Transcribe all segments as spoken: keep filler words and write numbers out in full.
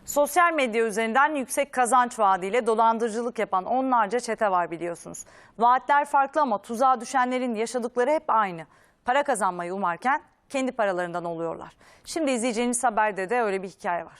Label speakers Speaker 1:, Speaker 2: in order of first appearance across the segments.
Speaker 1: Sosyal medya üzerinden yüksek kazanç vaadiyle dolandırıcılık yapan onlarca çete var biliyorsunuz. Vaatler farklı ama tuzağa düşenlerin yaşadıkları hep aynı. Para kazanmayı umarken kendi paralarından oluyorlar. Şimdi izleyeceğiniz haberde de öyle bir hikaye var.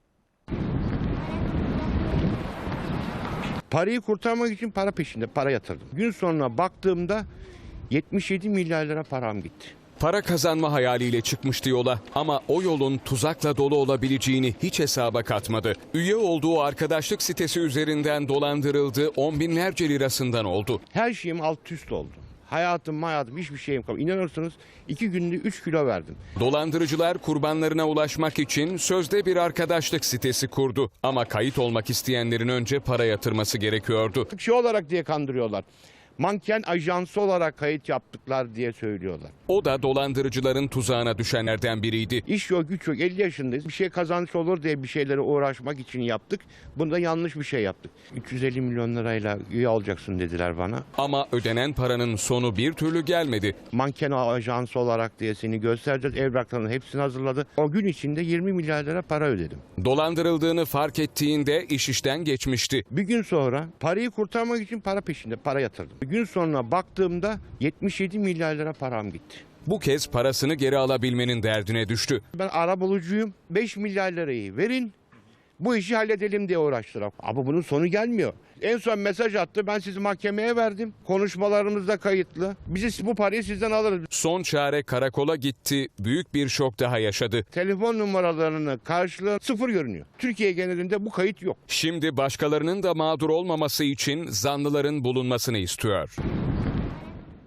Speaker 2: Parayı kurtarmak için para peşinde para yatırdım. Gün sonuna baktığımda yetmiş yedi milyar lira param gitti.
Speaker 3: Para kazanma hayaliyle çıkmıştı yola ama o yolun tuzakla dolu olabileceğini hiç hesaba katmadı. Üye olduğu arkadaşlık sitesi üzerinden dolandırıldı, on binlerce lirasından oldu.
Speaker 2: Her şeyim alt üst oldu. Hayatım hayatım hiçbir şeyim kalmadı. İnanırsınız iki günde üç kilo verdim.
Speaker 3: Dolandırıcılar kurbanlarına ulaşmak için sözde bir arkadaşlık sitesi kurdu. Ama kayıt olmak isteyenlerin önce para yatırması gerekiyordu.
Speaker 2: Şey olarak diye kandırıyorlar. Manken ajansı olarak kayıt yaptıklar diye söylüyorlar.
Speaker 3: O da dolandırıcıların tuzağına düşenlerden biriydi.
Speaker 2: İş yok, güç yok, elli yaşındayız. Bir şey kazanç olur diye bir şeylere uğraşmak için yaptık. Bunda yanlış bir şey yaptık. üç yüz elli milyon lirayla üye olacaksın dediler bana.
Speaker 3: Ama ödenen paranın sonu bir türlü gelmedi.
Speaker 2: Manken ajansı olarak diye seni göstereceğiz. Evraklarının hepsini hazırladı. O gün içinde yirmi milyar lira para ödedim.
Speaker 3: Dolandırıldığını fark ettiğinde iş işten geçmişti.
Speaker 2: Bir gün sonra parayı kurtarmak için para peşinde para yatırdım. Gün sonuna baktığımda yetmiş yedi milyar lira param gitti.
Speaker 3: Bu kez parasını geri alabilmenin derdine düştü.
Speaker 2: Ben arabulucuyum. beş milyar lirayı verin. Bu işi halledelim diye uğraştılar. Ama bunun sonu gelmiyor. En son mesaj attı. Ben sizi mahkemeye verdim. Konuşmalarımız da kayıtlı. Bizi bu parayı sizden alırız.
Speaker 3: Son çare karakola gitti. Büyük bir şok daha yaşadı.
Speaker 2: Telefon numaralarını karşılığı sıfır görünüyor. Türkiye genelinde bu kayıt yok.
Speaker 3: Şimdi başkalarının da mağdur olmaması için zanlıların bulunmasını istiyor.